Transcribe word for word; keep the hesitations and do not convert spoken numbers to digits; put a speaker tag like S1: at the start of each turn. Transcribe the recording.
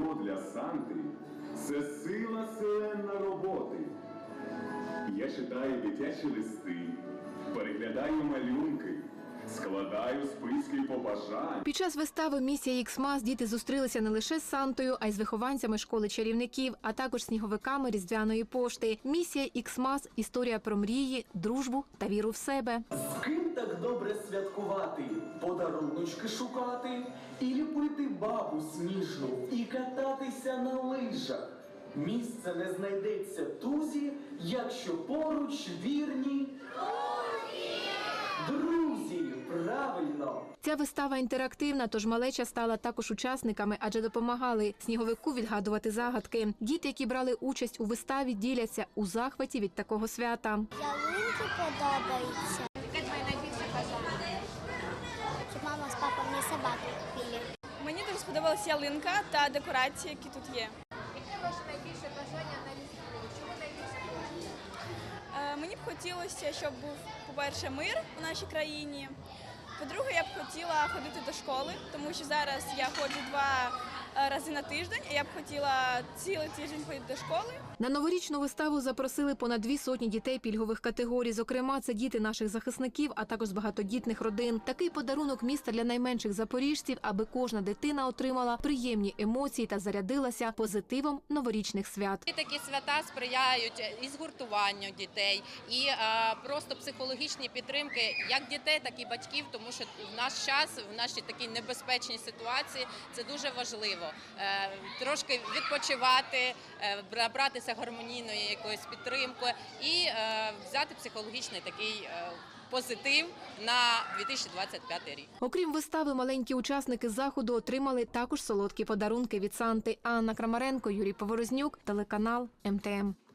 S1: Різдво для Санти – це сила селена роботи. Я читаю дитячі листи, переглядаю малюнки, складаю списки побажань.
S2: Під час вистави «Місія Іксмас» діти зустрілися не лише з Сантою, а й з вихованцями школи чарівників, а також сніговиками Різдвяної пошти. «Місія Іксмас» – історія про мрії, дружбу та віру в себе.
S3: З ким так добре святкувати, подаруночки шукати, і ліпити бабу сніжну, і кататися на лижах. Місце не знайдеться тузі, якщо поруч вірні друзі, правильно.
S2: Ця вистава інтерактивна, тож малеча стала також учасниками, адже допомагали сніговику відгадувати загадки. Діти, які брали участь у виставі, діляться у захваті від такого свята.
S4: Ялинки подобаються. Яке твоє найбільше бажання? Щоб мама з папою мені собаку купили.
S5: Мені дуже сподобалась ялинка та декорації, які тут є.
S6: Яке ваше найбільше бажання на Різдво? Чому найбільше бажання?
S5: Е, Мені б хотілося, щоб був, по-перше, мир у нашій країні. По-друге, я б хотіла ходити до школи, тому що зараз я ходжу два рази на тиждень, і я б хотіла цілий тиждень ходити до школи.
S2: На новорічну виставу запросили понад дві сотні дітей пільгових категорій. Зокрема, це діти наших захисників, а також з багатодітних родин. Такий подарунок міста для найменших запоріжців, аби кожна дитина отримала приємні емоції та зарядилася позитивом новорічних свят.
S7: Такі свята сприяють і згуртуванню дітей, і е, просто психологічній підтримки як дітей, так і батьків, тому що в наш час, в нашій такій небезпечній ситуації це дуже важливо. Е, трошки відпочивати, е, набратися гармонійної якоїсь підтримки і е, взяти психологічний такий е, позитив на дві тисячі двадцять п'ятий рік.
S2: Окрім вистави, маленькі учасники заходу отримали також солодкі подарунки від Санти. Анна Крамаренко, Юрій Поворознюк, телеканал Ем Те Ем.